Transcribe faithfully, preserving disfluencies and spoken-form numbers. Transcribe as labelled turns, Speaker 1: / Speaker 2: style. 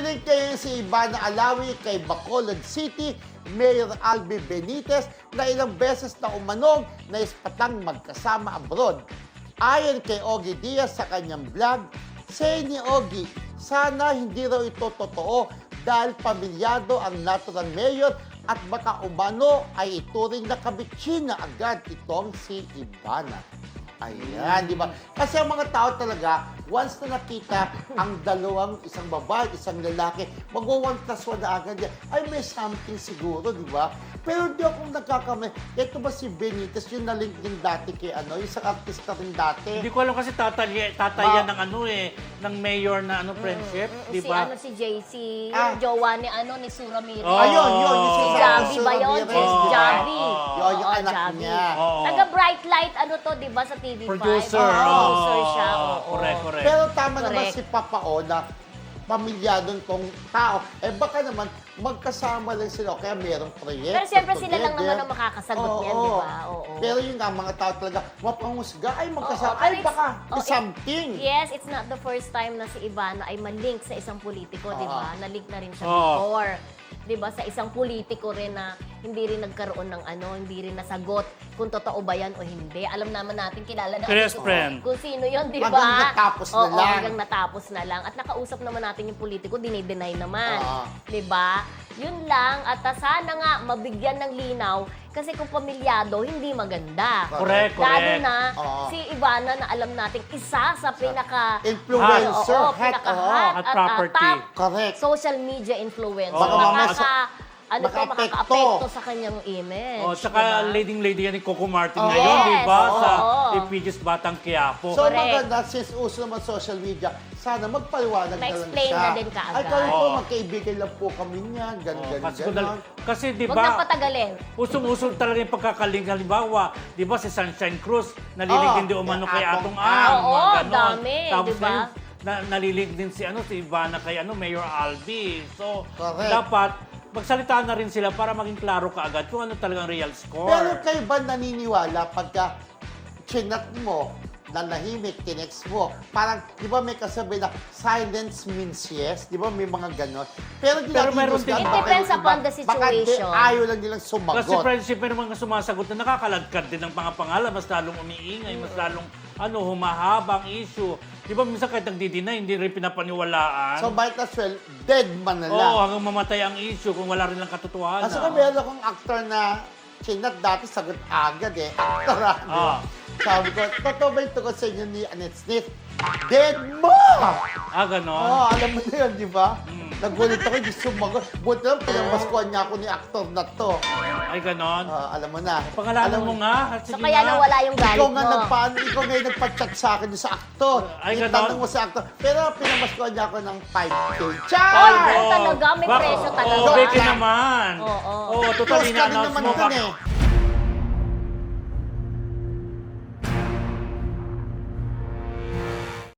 Speaker 1: Nalink kayo si Ivana Alawi kay Bacolod City, Mayor Albi Benitez na ilang beses na umanog na ispatang magkasama abroad. Ayon kay Ogie Diaz sa kanyang vlog, say ni Ogie, sana hindi raw ito totoo dahil pamilyado ang naturang mayor at baka umano ay ituring na kabitsina agad itong si Ivana. Ayan, di ba? Kasi ang mga tao talaga, once na nakita ang dalawang, isang babae, isang lalaki, mag-one plus one na agad yan. Ay, may something siguro, di ba? Pero di ako nagkakamay. Ito ba si Benitez, yung nalink din dati kay ano, isang artista rin dati.
Speaker 2: Hindi ko alam kasi tatay, tatay yan ng ano eh, ng mayor na ano, friendship,
Speaker 3: Mm,
Speaker 2: di
Speaker 3: si
Speaker 2: ba?
Speaker 3: ano si J C,
Speaker 1: Ah.
Speaker 3: yung jowa ni ano ni Sura Miri.
Speaker 2: Oh.
Speaker 1: Ayun, yun, yung
Speaker 3: Si
Speaker 1: si
Speaker 3: Javi
Speaker 1: Sura
Speaker 3: ba yun?
Speaker 1: Ramirez,
Speaker 3: Si
Speaker 1: di ba?
Speaker 3: Javi.
Speaker 2: Oo.
Speaker 1: Yun, yung
Speaker 3: Oo,
Speaker 1: anak
Speaker 3: Javi.
Speaker 1: niya.
Speaker 2: Oo.
Speaker 3: Taga Bright Light, ano to, di ba, sa T V five?
Speaker 2: Producer.
Speaker 3: Oo, producer
Speaker 2: Oo.
Speaker 3: siya. Oo.
Speaker 2: Correct, correct.
Speaker 1: Pero tama naman
Speaker 3: Correct.
Speaker 1: si Papa O na pamilyadong tong tao. Eh baka naman magkasama lang sila o kaya merong proyekto.
Speaker 3: Pero siyempre sila lang
Speaker 1: together.
Speaker 3: naman ang makakasagot
Speaker 1: Oo,
Speaker 3: niyan, di ba? Oo.
Speaker 1: Pero yun nga, mga tao talaga, mapangusga, ay magkasama,
Speaker 3: Oo, pero
Speaker 1: ay
Speaker 3: it's-
Speaker 1: baka
Speaker 3: oh, it-
Speaker 1: something.
Speaker 3: Yes, it's not the first time na si Ivana ay malink sa isang politiko, di ba?
Speaker 1: Oo.
Speaker 3: Nalink na rin siya
Speaker 2: Oo.
Speaker 3: before. Di ba? Sa isang politiko rin na hindi rin nagkaroon ng ano, hindi rin nasagot kung totoo ba yan o hindi. Alam naman natin, kilala natin
Speaker 2: Best
Speaker 3: kung,
Speaker 2: friend.
Speaker 3: kung sino yun, di ba?
Speaker 1: Hanggang natapos na
Speaker 3: Oo,
Speaker 1: lang.
Speaker 3: hanggang natapos na lang. At nakausap naman natin yung politiko, dinideny naman.
Speaker 1: Oo.
Speaker 3: Di ba? Yun lang. At uh, sana nga mabigyan ng linaw kasi kung pamilyado, hindi maganda.
Speaker 2: Correct,
Speaker 3: Lalo
Speaker 2: correct.
Speaker 3: na
Speaker 1: Oo.
Speaker 3: si Ivana na alam nating isa sa pinaka
Speaker 1: Influencer,
Speaker 3: Oo,
Speaker 1: head,
Speaker 3: pinaka-hot
Speaker 2: oo. At
Speaker 3: at,
Speaker 2: property.
Speaker 3: uh, top
Speaker 1: Correct.
Speaker 3: social media influencer.
Speaker 2: Baka
Speaker 1: mamaya
Speaker 3: Makaka,
Speaker 1: sa-
Speaker 3: ano to,
Speaker 1: makaapekto.
Speaker 3: makaka-apekto sa kanyang image.
Speaker 2: Oh, tsaka
Speaker 3: diba?
Speaker 2: leading-lady yan ni Coco Martin
Speaker 1: Oh.
Speaker 2: ngayon, di ba?
Speaker 3: Yes,
Speaker 2: Sa
Speaker 3: oo.
Speaker 2: Ipigis Batang Quiapo.
Speaker 1: So
Speaker 3: Correct.
Speaker 1: maganda, since uso naman social media, sana magpaliwanag na lang
Speaker 3: Ma-explain
Speaker 1: siya.
Speaker 3: na din kaagad.
Speaker 1: Ay, kami po,
Speaker 2: Oo.
Speaker 1: magkaibigan lang po kami niya, ganun,
Speaker 2: Oh,
Speaker 1: ganun,
Speaker 2: kasi,
Speaker 1: ganun.
Speaker 2: kasi di
Speaker 3: Huwag nang
Speaker 2: ba,
Speaker 3: patagalin.
Speaker 2: usong-usong talaga yung pagkakaling. Halimbawa, di ba si Sunshine Cruz, nalilig
Speaker 1: Oo,
Speaker 2: din di umano
Speaker 1: kay
Speaker 2: kay
Speaker 1: Atong
Speaker 2: Atong
Speaker 1: Ang.
Speaker 2: Ang.
Speaker 3: Oo,
Speaker 2: mga ganon.
Speaker 3: dami,
Speaker 2: Tapos
Speaker 3: di ba?
Speaker 2: ngayon, na, nalilig din si, ano, si Ivana kay ano, Mayor Albi. So,
Speaker 1: Correct.
Speaker 2: dapat magsalita na rin sila para maging klaro kaagad kung ano talagang real score.
Speaker 1: Pero kayo ba naniniwala pagka chinat mo, nanahimik, tinext mo, parang, di ba may kasabi na silence means yes? Di ba may mga ganon? Pero, di
Speaker 2: Pero
Speaker 1: natin
Speaker 2: meron
Speaker 1: husgahan,
Speaker 2: din-
Speaker 3: It
Speaker 1: baka
Speaker 3: depends
Speaker 1: yung
Speaker 3: upon
Speaker 1: iba-
Speaker 3: the
Speaker 1: Baka di,
Speaker 3: situation.
Speaker 1: ayaw lang nilang sumagot.
Speaker 2: Kasi friendship, may mga sumasagot na nakakaladkad din ng mga pangalan, mas lalong umiingay, mas lalong ano, humahaba ang issue. Di ba minsan kahit nagdi-deny, hindi rin pinapaniwalaan.
Speaker 1: So, might as well, dead man na lang.
Speaker 2: Oo, hanggang mamatay ang issue kung wala rin lang katotohanan.
Speaker 1: Kasi kung meron akong actor na chinat dati, sagot agad eh. Actor ah. di ba?
Speaker 2: Ah.
Speaker 1: Sabi ko, totoo ba yung tungkol sa inyo ni Annette Smith? Dead mo!
Speaker 2: Ah, ganon.
Speaker 1: Oo, alam mo na yun, di ba?
Speaker 2: Mm.
Speaker 1: Nagulit ako, hindi sumagot. Buti lang, pinamaskuhan niya ako ni actor na to.
Speaker 2: Ay, ganon.
Speaker 1: Ah, alam mo na.
Speaker 2: Pangalanan
Speaker 1: Alam
Speaker 2: mo nga.
Speaker 3: So
Speaker 2: Sige
Speaker 3: kaya
Speaker 2: nga.
Speaker 3: nawala yung galit
Speaker 1: Ikaw
Speaker 3: mo.
Speaker 1: nga nagpaano, ikaw ngayon nagpa-chat sa akin sa actor.
Speaker 2: Ay,
Speaker 1: Yung
Speaker 2: ganon?
Speaker 1: tanong mo sa actor. Pero pinamaskuhan niya ako ng five K.
Speaker 3: Oy,
Speaker 1: Char!
Speaker 3: ano talaga? May
Speaker 2: Bak-
Speaker 3: presyo talaga.
Speaker 2: Oo, Becky naman.
Speaker 3: Oo.
Speaker 2: Oo,
Speaker 1: Close
Speaker 2: totally
Speaker 1: ka rin
Speaker 2: na-announce
Speaker 1: naman
Speaker 2: mo.
Speaker 1: dun eh.